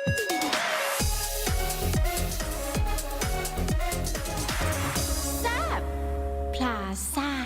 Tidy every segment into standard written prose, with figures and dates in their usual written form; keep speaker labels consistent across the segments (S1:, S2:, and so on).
S1: แซ่บพลาซ่า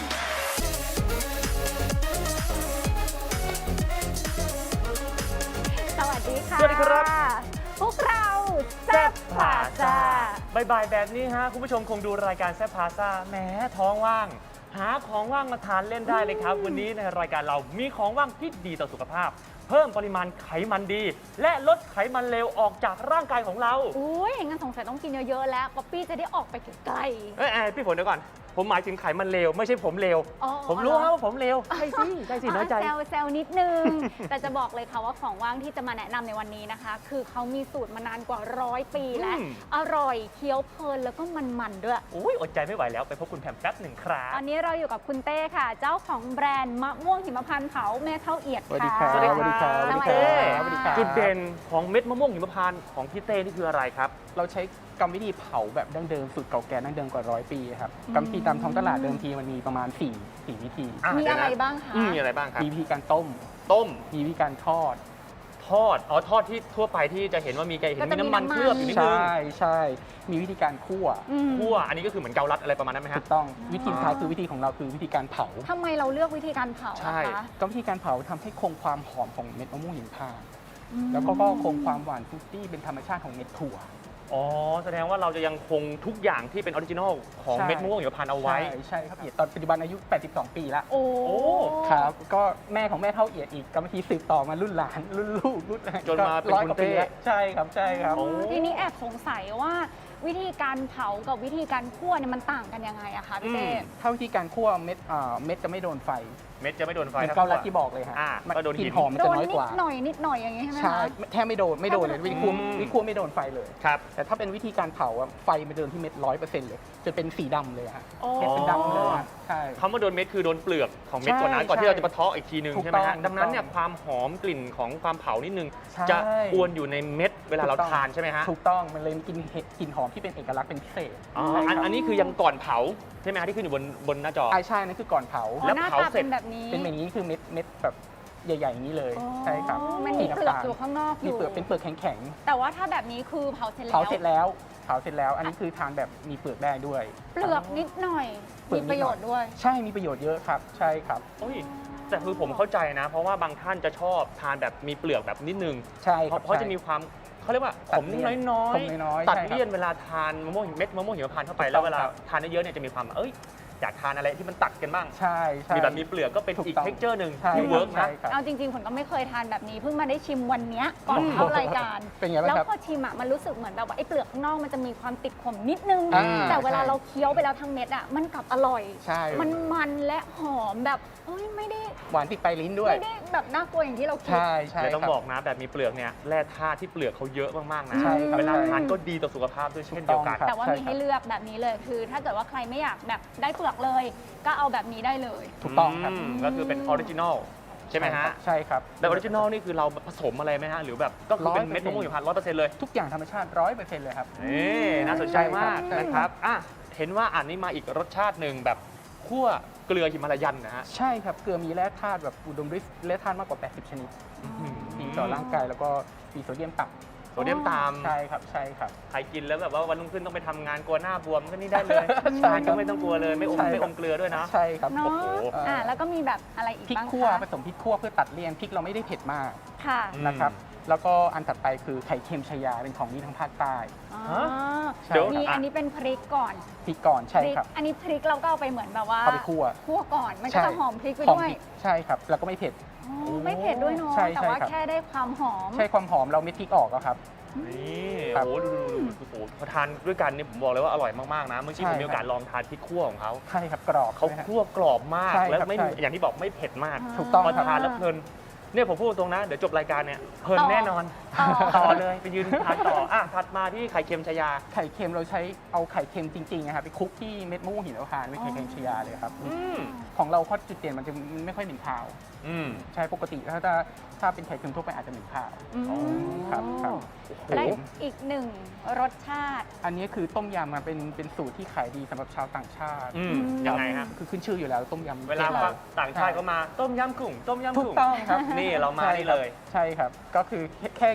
S2: สวัสดีค่ะ
S3: สวัสดีครับ
S2: พวกเราแซ่บพลาซ่า
S3: บ่ายๆแบบนี้ฮะคุณผู้ชมคงดูรายการแซ่บพาซ่าแหมท้องว่าง หาของว่างมาทานเล่นได้เลยครับ วันนี้ในรายการเรามีของว่างที่ดีต่อสุขภาพ เพิ่มปริมาณไขมันดี และลดไขมันเลวออกจากร่างกายของเรา
S2: อุ้ยงั้นสงสัยต้องกินเยอะๆแล้วป๊อปปี้จะได้ออกไปไกล
S3: พี่ฝนเดี๋ยวก่อน ผมหมายถึงไขมันเลวไม่ใช่ผมเลว
S2: อ๋อ
S3: ผมรู้ครับว่าผมเลวใช่สิน้อยใจ
S2: แซวนิดนึง แต่จะบอกเลยค่ะว่าของว่างที่จะมาแนะนำในวันนี้นะคะ คือเขามีสูตรมานานกว่า100 ปีแล้ว อร่อยเคี้ยวเพลินแล้วก็มันๆด้วย
S3: อุ้ยอดใจไม่ไหวแล้วไปพบคุณแพมแป๊บหนึ่งครับ
S2: ตอนนี้เราอยู่กับคุณเต้ค่ะ เจ้าของแบรนด์มะม่วงหิมพานต์เผาแม่เท่าเอียด
S4: สวัสดี
S2: ค่ะ
S4: ครับ
S3: สวัสดีครับ
S2: สวัสดี
S3: เต้
S2: ครับ
S4: สวัสดีครับ
S3: จุดเด่นของเม็ดมะม่วงหิมพานต์ของพี่เต้นี่คืออะไรครับ
S4: เราใช้กรรมวิธีเผาแบบดั้งเดิมสูตรเก่าแก่ดั้งเดิมกว่า100 ปีครับกรรมวิธีตามท้องตลาดเดิมทีมันมีประมาณ4วิธี
S2: มีอะไรบ้างคะ
S3: มีอะไรบ้างครับ
S4: มีวิธีการต้ม
S3: ต้ม
S4: มีวิธีการทอด
S3: ทอดทอดที่ทั่วไปที่จะเห็นว่ามีน้ำมันเคลือบอยู่นิดนึง
S4: ใช่มีวิธีการคั่ว
S3: คั่วอันนี้ก็คือเหมือนเกาลัดอะไรประมาณนั้นไหม
S4: ถู
S3: ฮะ
S4: กต้องวิธีสุดท้ายคือวิธีของเราคือวิธีการเผา
S2: ทำไมเราเลือกวิธีการเผา
S3: ใช่
S2: อะคะ
S4: กรรมวิธีการเผาทำให้คงความหอมของเม็ดมะม่วงหิมพานต์
S2: อืม
S4: แล้วก็คงความหวานฟรุตตี้เป็นธรรมชาติของเม็ดถั่ว
S3: อ๋อแสดงว่าเราจะยังคงทุกอย่างที่เป็นออริจินอลของ
S4: ใช่
S3: เม็ดมะม่วงหิมพานต์เอาไว้
S4: ใช่ครับตอนปัจจุบันอายุ 82 ปีแล้ว
S2: โอ้
S4: ครับก็แม่ของแม่เท่าเอียดอีกกรรมวิธีสืบต่อมารุ่นหลานรุ่นลูกรุ่นอะไร
S3: จนมาเป็น
S4: ร้อย
S3: คุณ
S4: กว่าปี
S3: เต้
S4: แล้วใช่ครับใช่ครับ
S3: โอ้
S2: ทีนี้แอบสงสัยว่าวิธีการเผากับวิธีการคั่วเนี่ยมันต่างกันยังไงอะคะพี่เต้
S4: ถ้าวิธีการคั่วเม็ดจะไม่โดนไฟ
S3: เม็ดจะไม่โดนไฟ
S4: เหมือน
S3: นะ
S4: เกาลัดที่บอกเลยฮะ
S3: มัน ก็โดน
S4: กลิ่
S3: หิ
S4: น
S3: น
S4: หอมมัน
S2: โด
S4: จะ
S2: น
S4: น้อย
S2: นิ
S4: ก
S2: ด
S4: ว่า
S2: หน่อยนิดหน่อยอย่างงี้ใช่ไหม
S4: ใช่
S2: คะ
S4: แทบไม่โดนเลยวิธีคั่วไม่โดนไฟเลย
S3: ครับ
S4: แต่ถ้าเป็นวิธีการเผาอะไฟมันเดินที่เม็ด100%เลยจะเป็นสีดำเลยฮะ
S2: โอ้
S4: เม็ดเป็นดำเลยฮะใช่
S3: คำว่าโดนเม็ดคือโดนเปลือกของเม็ด
S4: ใช่
S3: ก่อนนะก่อนที่
S4: ใช่
S3: เราจะมาเทาะอีกทีนึง
S4: ถูก
S3: ใช่ไหมฮะ
S4: ต้อง
S3: ดังนั้นเนี่ย
S4: ถูกต้อง
S3: ความหอมกลิ่นของความเผานิดนึง
S4: ใช่
S3: จะอวนอยู่ในเม็ดเวลาเราทานใช่ไหมฮะ
S4: ถูกต้องมันเลยมีกลิ่นหอมที่เป็นเอกลักษณ์เป็นพิเศษ
S3: อ๋อ
S4: ใช่ครับ
S3: อันนี้คือยังก่อนเผาใช่ไหมฮะที่ขึ้นอยู่บนหน้าจอ
S4: ใช่นั่นคือก่อนเผา
S2: อ๋อ
S3: แล้ว
S2: หน้า
S3: เผา
S2: ตา
S3: เสร็
S2: เป็
S3: จ
S2: นแบบนี้
S4: เป็นแบบนี้คือเม็ดแบบใหญ่ๆอย่างนี้เลย
S2: อ๋อ
S4: ใช่ครับ
S2: มันมีเปลือกอยู่ข้างนอกอ
S4: มี
S2: ยู่
S4: เปลือกเป็นเปลือกแข็ง
S2: แต่ว่าถ้าแบบนี้คือเผาเสร็จ
S4: ๆ
S2: แล้ว
S4: เผาเสร็จแล้ว อันนี้คือทานแบบมีเปลือกได้ด้วย
S2: เปลือกนิดหน่อย
S4: เปลื
S2: มี
S4: อกนิดหน่อย
S2: ประโยชน์ด้วย
S4: ใช่มีประโยชน์เยอะครับ ใช่ครับ
S3: โอ้ยแต่คือผมเข้าใจนะ เพราะว่าบางท่านจะชอบทานแบบมีเปลือกแบบนิดนึง
S4: ใช่ครับ
S3: เพราะจะมีความเขาเรียกว่าขมน้อย
S4: ขมน้อยๆ
S3: ตัด
S4: ใช่ครับ
S3: เลี่ยนเวลาทานมะม่วงเม็ดมะม่วงหิมพานต์เข้าไป
S4: ถูกต้อง
S3: แล้วเวลา
S4: ครับ
S3: ทานเยอะๆเนี่ยจะมีความอยากทานอะไรที่มันตัดกันบ้าง
S4: ใช่ใช่
S3: มีแบบมีเปลือกก็เป็น
S4: ถูก
S3: อีก
S4: ต้อง
S3: เท็กเจอร์หนึ่ง
S4: ใช่
S3: ที่เวิร์ก
S4: ใช่
S3: นะ
S4: ครับ
S2: เอาจริงๆผมก็ไม่เคยทานแบบนี้เพิ่งมาได้ชิมวันเนี้ยก่อนเข้ารายการ
S4: เป็นไงบ้าง
S2: แล้ว
S4: ครับ
S2: พอชิมอะมันรู้สึกเหมือนแบบว่าไอ้เปลือกข้างนอกมันจะมีความติดขมนิดนึง
S4: อ่า
S2: แต่เวลา
S4: ใช่
S2: เราเคี้ยวไปแล้วทั้งเม็ดอะมันกลับอร่อย
S4: ใช่
S2: มันและหอมแบบเอ้ยไม่ได้
S4: หวานติดปลายลิ้นด้วย
S2: ไม่ได้แบบน่ากลัวอย่างที่เราคิด
S4: ใช่ใช่
S3: เลยต้อง
S4: ครับ
S3: บอกนะแบบมีเปลือกเนี่ยแร่ธาตุที่เปลือกเขาเยอะมากๆนะ
S4: ใช่ครับ
S3: เวลา
S4: ใช่
S3: ทานก็ดีต่อสุขภาพด้วยเช่นเดียวกัน
S4: ถูกต้องครับ
S2: แต่ว่ามีให้เลือกแบบนี้เลยคือ ถ้าเกิดว่าใครไม่อยากแบบได้เปลือกเลย ก็เอาแบบนี้ได้เลย
S4: ถูกต้องครับ
S3: ก็คือเป็นออริจินอลใช่ไหมฮะ
S4: ใช่ครับ
S3: แต่ออริจินอลนี่คือเราผสมอะไรไหมฮะ หรือแบบก็คือเป็น
S4: 100%
S3: เม็ดมะม่วงหิมพานต์100%เลย
S4: ทุกอย่างธรรมชาติ100%เลยครับ
S3: นี่น่าสนใจมาก
S4: ใช่ครับ
S3: นะครับเห็นว่าอันนี้มาอีกรสชาติหนึ่งแบบคั่วเกลือหิมาลายันนะฮะ
S4: ใช่ครับเกลือมีแร่ธาตุแบบอุดมด้วยแร่ธาตุมากกว่า 80 ชนิดดีต่อร่างกายแล้วก็มีโซเดียมต่ำ
S3: โซเดียมตาม
S4: ใช่ครับใช่ครับ
S3: ใครกินแล้วแบบว่าวันรุ่งขึ้นต้องไปทำงานกลัวหน้าบวมก็นี่ได้เลย
S4: ใช่
S3: ทาน
S4: ครั
S3: ก็
S4: บ
S3: ไม่ต้องกลัวเลยไม่อม
S4: ใช่ครับ
S3: ไม่อมเกลือด้วยนะ
S4: ใช่ครับ
S2: เนาะ
S3: โอ้โห
S2: แล้วก็มีแบบอะไรอีก
S4: พริก
S2: บ้าง
S4: คั่วผ
S2: คะ
S4: สมพริกคั่วเพื่อตัดเลี่ยนพริกเราไม่ได้เผ็ดมาก
S2: ค่ะ
S4: นะครับแล้วก็อันถัดไปคือไข่เค็มชายาเป็นของดีทางภาคใต้
S2: อ๋อ
S4: ใช่
S3: เดี๋ยว
S2: มีอันนี้เป็นพริกก่อน
S4: พริกก่อนใช่
S2: พริก
S4: ครับ
S2: อันนี้พริกเราก็เอาไปเหมือนแบบว่า
S4: เอาไปคั่ว
S2: คั่วก่อนมันก็
S4: ใช่
S2: จะหอมพริกไป
S4: หอม
S2: ด้วย
S4: พริกใช่ครับแล้วก็ไม่เผ็ด
S2: อ๋อไม่เผ็ดด้วยเนาะ
S4: ใช่
S2: แต่
S4: ใช่
S2: ว่า
S4: ครับ
S2: แค่ได้ความหอม
S4: ใช่ความหอมเราเม็ดพริกออกแล้วครับ
S3: นี่
S4: ครับ
S3: โอ้โหดูโอ้โหพอทานด้วยกันเนี่ยผมบอกเลยว่าอร่อยมากๆนะเมื่อกี้
S4: ใช่
S3: ผมมีโอกาสลองทานพริกคั่วของเขา
S4: ใช่ครับกรอบ
S3: เขา
S4: ใช่ไหมฮะ
S3: คั่วกรอบมาก
S4: ใช่
S3: แล้ว
S4: ครับ
S3: ไม่
S4: ใช่
S3: อย่างที่บอกไม่เผ็ดมาก
S4: ถูกต้อง
S3: พอ
S4: ครับ
S3: ทานแล้วเพลินเนี่ยผมพูดตรงนะเดี๋ยวจบรายการเนี่ยเพลิน
S2: ต่อ
S3: แน่นอน
S2: ต่อ
S3: ต่อเลยไปยืนทานต่อถัดมาที่ไข่เค็มชายา
S4: ไข่เค็มเราใช้เอาไข่เค็มจริงๆนะครับไปคลุกที่เม็ดมะม่วงหิมพานต์ไม่ไข่เค็มชายาเลยครับ
S3: อืม
S4: ของเราข้อจุดเด่นมันจะไม่ค่อยเหม็นคาว
S3: อืม
S4: ใช่ปกติถ้าเป็นไข่เค็มทั่วไปอาจจะเหม็นคาว
S2: อืม
S4: ครับครับ
S2: และอีกหนึ่งรสชาติ
S4: อันนี้คือต้มยำมาเป็นสูตรที่ขายดีสำหรับชาวต่างชาติ
S3: อืมยังไงฮะ
S4: คือขึ้นชื่ออยู่แล้วต้มยำ
S3: เวลา
S4: ประทศร
S3: ต่างชาติเขามาต้มยำกุ้งต้มยำ
S4: ถูก
S3: กุ้ง
S4: ต้องครับ
S3: นี่เรามานี่เลย
S4: ใช่ครับก็คือแค่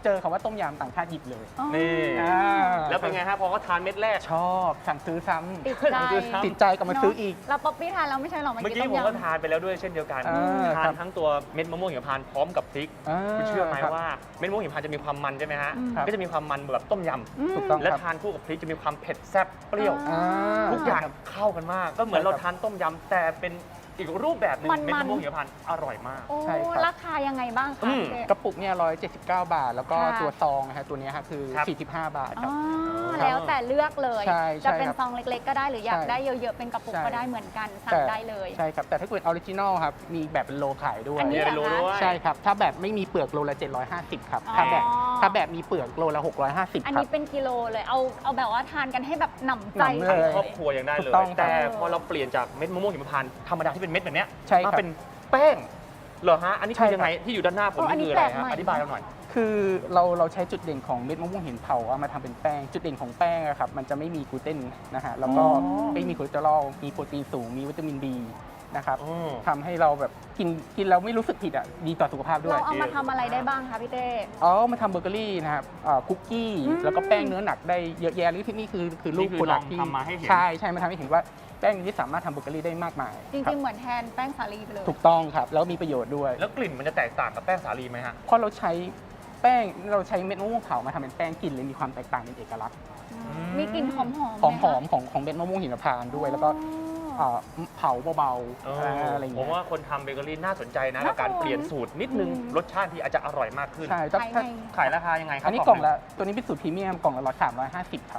S4: เจอคำว่าต้มยำต่างชาติหยิบเลย
S2: อ๋อ
S3: นี่
S4: อ่า
S3: แล้วเป็นไงฮะพอเขาทานเม็ดแรก
S4: ชอบสั่งซื้อซ้ำ
S2: ติดใจ
S4: ติดใจก็มาซื้ออีก
S2: เราป๊อปปี้ทานแล้วไม่ใช่หรอ
S3: เมื่อกี้ผมก็ทานไปแล้วด้วยเช่นเดียวกัน ทานทั้งตัวเม็ดมะม่วงหิมพานต์พร้อมกับพริก คุณเชื่อไหมว่าเม็ดมะม่วงหิมพานต์จะมีความมันใช่ไหมฮะ
S4: ครับ
S3: ก็จะมีความมันแบบต้มย
S4: ถูกต้อง
S3: ำและ
S4: ครับ
S3: ทานคู่กับพริกจะมีความเผ็ดแซ่บเปรี้ยว
S2: อ่า
S3: ทุกอย่างเข้ากันมาก ก็เหมือนเราทานต้มยำแต่เป็นอีกรูปแบบหนึง
S2: มันๆ
S3: เม็ดมะม่วงหิมพานต์อร่อยมาก
S2: โอ้
S4: ใช่ครับ
S2: ราคายังไงบ้าง
S3: อื
S2: คะ
S3: ม
S2: เจ๊
S4: กระปุกเนี่ย179 บาท แล้วก็
S2: ค่ะ
S4: ตัวซองนะฮะตัวเนี้ยครับคือ
S3: ครับ
S4: 45 บาทค
S2: อ๋
S4: รับ
S2: อแล้วแต่เลือกเลย
S4: ใช่
S2: จะเป็น
S4: ครับ
S2: ซองเล็กๆ ก็ได้หรืออยาก
S4: ใช่
S2: ได้เยอะๆ เป็นกระปุก
S4: ใช่
S2: ก็ได้เหมือนกันสั่งได้เลย
S4: ใช่ครับ แต่ถ้าเกิดออริจินอลครับ มีแบบเป็นโลขายด้วย
S2: อันนี้
S3: เนี่ยเป็นโลด้วย
S4: ใช่ครับ ถ้าแบบไม่มีเปลือกโลละ 750 ครับ
S2: อ๋อ
S4: ถ้าแบบมีเปลือกโลละ 650
S2: อัน
S4: ครั
S2: นี้
S4: บ
S2: เป็นกิโลเลยเอาแบบว่าทานกันให้แบบหนำใจ
S4: หนำเลย
S3: ครอบครัวยังได้เล
S4: ถู
S3: ย
S4: กต้องครับ
S3: แต่พอเราเปลี่ยนจากเม็ดมะม่วงหิมพานต์ธรรมดาที่เป็นเม็ดแบบเนี้ย
S4: ใช่ครับ
S3: มาเป็นแป้งเหรอฮะ อันนี้
S4: ใช่
S3: คือ
S4: ครับ
S3: ยังไงที่อยู่ด้านหน้าผม
S2: อัน
S3: นี่
S2: นี้
S3: คืออะไร
S2: แปลก
S3: ฮะ
S2: ใหม่
S3: อธิบายเราหน่อย
S4: คือเราใช้จุดเด่นของเม็ดมะม่วงหินเผาเอามาทำเป็นแป้ง จุดเด่นของแป้งอะครับมันจะไม่มีกลูเตนนะฮะแล้วก็
S2: อ๋อ
S4: ไม่มีคอเลสเตอรอลมีโปรตีนสูงมีวิตามิน B นะครับ
S3: อืม
S4: ทำให้เราแบบกินแล้วไม่รู้สึกผิดอ่ะดีต่อสุขภาพด้วย
S2: เราเอามาทำอะไรได้บ้างคะพี่เต้
S4: มาทำเบเกอรี่นะครับคุกกี้
S2: อืม
S4: แล้วก็แป้งเนื้อหนักได้เยอะแยะหรือที่นี่คือรูป
S3: นี่คือ
S4: โปรดัก
S3: ลอง
S4: ที่
S3: ทำมาให้เห็น
S4: ใช่มาทำให้เห็นว่าแป้งนี้สามารถทำเบเกอรี่ได้มากมาย
S2: จ
S4: คบ
S2: ริงๆ เหมือนแทนแป้งสาลีไปเลย
S4: ถูกต้องครับแล้วมีประโยชน์ด้วย
S3: แล้วกลิ่นมันจะแตกต่างกับแป้งสาลีไหมฮะ
S4: เพราะเราใช้แป้งเราใช้เม็ดมะม่วงเผามาทำเป็นแป้งกลิ่นเลยมีความแตกต่างเป็นเอกลักษณ์
S2: มีกลิ่นหอมๆ
S4: หอมของเม็ดมะม่วงหิมพานต์ด้วย แล้วก็เผาเบาๆอะไรอย่าง
S3: ผ
S4: เงี้
S3: ม
S4: ย
S3: ว่าคนทำเบเกอรี่น่าสนใจนะ
S2: น่า
S3: กับการ
S2: สน
S3: เปลี่ยนสูตรนิดนึง รสชาติที่อาจจะอร่อยมากขึ้น
S4: ใช่
S2: ขายไง
S3: ขายราคายังไงครับ
S4: อันนี้กล่องละตัวนี้เป็นสูตรพรีเมียมกล่องละ350 ครับ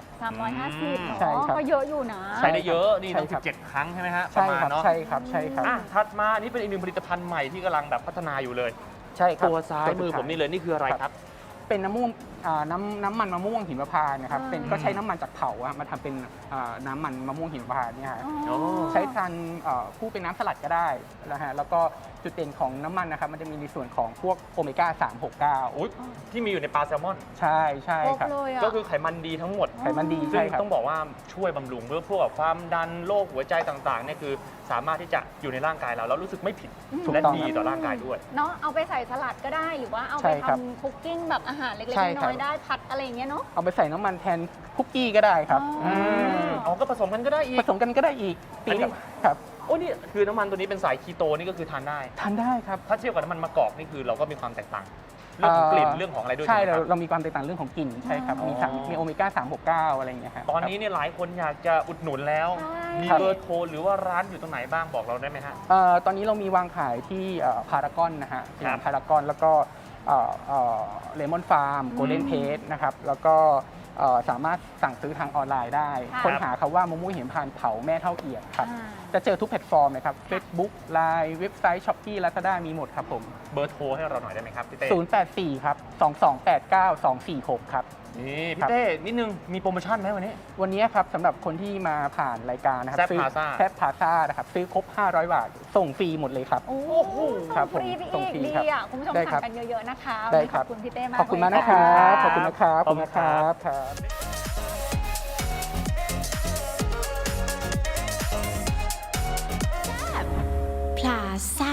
S2: 350
S4: ใช่ครับ
S2: ก็เยอะอยู่นะ
S3: ใช้ได้เยอะนี่ต้อง
S4: ใช่ครับ
S3: 17 ครั้งใช่ไหมฮะป
S4: ใช่
S3: ระมาณ
S4: ครับ
S3: เนาะ
S4: ใช่ครับใช่ครับ
S3: อ่ะถัดมานี่เป็นอีกหนึ่งผลิตภัณฑ์ใหม่ที่กำลังแบบพัฒนาอยู่เลย
S4: ใช่ครับ
S3: ตัวซ้ายมือผมนี่เลยนี่คืออะไรครับ
S4: เป็นน้ำมันมะม่วงหิมพานต์นะครับ
S2: อ่า
S4: เป็นก็ใช้น้ำมันจากเผาอะมาทำเป็นน้ำมันมะม่วงหิมพานต์เนี่ยฮะ
S2: อ๋อ
S4: ใช้ทานคู่เป็นน้ำสลัดก็ได้นะฮะแล้วก็จุดเด่นของน้ำมันนะครับมันจะมีในส่วนของพวกโอเมก้า 369
S3: อุ๊ยที่มีอยู่ในปลาแซลมอน
S4: ใช่
S2: ครบ
S4: ครับ
S2: เลยอ่ะ
S3: ก็คือไขมันดีทั้งหมด
S4: ไขมันดี
S3: ซึ่ง
S4: ใช่ครับ
S3: ต้องบอกว่าช่วยบำรุงเรื่องพวกแบบความดันโรคหัวใจต่างๆเนี่ยคือสามารถที่จะอยู่ในร่างกายเราแล้วรู้สึกไม่ผิด
S4: ถูก
S3: และ
S4: ต้อง
S3: ดีต่อร่างกายด้วย
S2: เนาะเอาไปใส่สลัดก็ได้หรือว่าเอา
S4: ใช่
S2: ไป
S4: ครับ
S2: ทำคุกกิ้งแบบอาหารเล็ก
S4: ใช่
S2: ๆ
S4: ครั
S2: น้
S4: บ
S2: อยๆได้ผัดอะไรอย่างเงี้ยเนาะ
S4: เอาไปใส่น้ำมันแทนคุกกี้ก็ได้ครับ
S2: อ๋อ
S3: อ๋อก็ผสมกันก็ได้อี
S4: ผ
S3: ก
S4: สมกันก็ได้อีก
S3: อันนี้
S4: ครับ
S3: โอ้นี่คือน้ำมันตัวนี้เป็นสายคีโตนี่ก็คือทานได้
S4: ทานได้ครับ
S3: ถ้าเทียบกับน้ำมันมะกอกนี่คือเราก็มีความแตกต่าง เรื่องของกลิ่นเรื่องของอะไรด้วย
S4: ใช่
S3: ไหมครับ
S4: เรามีความแตกต่างเรื่องของกลิ่นใช่ครับ
S3: อ๋อ
S4: มีโอเมก้า 369 อะไรอย่างเงี้ยครับ
S3: ตอนนี้เนี่ยหลายคนอยากจะอุดหนุนแล้ว
S2: ใช่
S3: มี
S4: ครับ
S3: เบอร์โทรหรือว่าร้านอยู่ตรงไหนบ้างบอกเราได้ไหมฮะ
S4: ตอนนี้เรามีวางขายที่พารากอนนะฮะ
S3: ครับ
S4: พารากอนแล้วก็เลมอนฟาร์มโกลเด้นเพจนะครับแล้วก็สามารถสั่งซื้อทางออนไลน์ได้
S2: ค่ะ
S4: ค้นหาคำว่ามะม่วงหิมพานต์เผาแม่เท่าเอียดครับ
S2: อ่า
S4: จะเจอทุกแพลตฟอร์มเลยครับ Facebook Line เว็บไซต์ Shopee Lazada มีหมดครับผม
S3: เบอร์โทรให้เราหน่อยได้ไหมครับพี่เต้
S4: 084 ครับ 2289 246 ครับ
S3: นี่
S4: ค
S3: พี่
S4: รับ
S3: เต้นิดนึงมีโปรโมชั่นไหมวันนี้
S4: วันนี้ครับสำหรับคนที่มาผ่านรายการนะครับ
S3: แซ่บพาซ่า
S4: แซบพาซ่านะครับซื้อครบ 500 บาท ส่งฟรีหมดเลยครับ
S2: โอ้
S3: โห
S2: ส่
S4: ครั
S2: ง
S4: บ
S2: ฟรีไป
S4: ผมส่ง
S2: อีก
S4: ฟรี
S2: ดี
S4: ครับ
S2: อ่ะคุณผู้ชม
S4: ได้ครั
S2: สั่
S4: บ
S2: งกันเยอะๆนะคะ
S4: ได้
S2: วันนี้
S4: ค
S2: ข
S4: รั
S2: อบ บคุณพี่เต้มาก
S4: ขอบคุณมาก
S2: เลย
S4: นะครับ
S3: ข
S4: ข
S3: อ
S4: อ
S3: บบ คุ
S4: คุณ ณ
S3: นะ
S4: นะ
S3: ค
S4: ค
S3: รั
S4: รับ บขอบคุณนะครับครับ
S1: พลาซ่า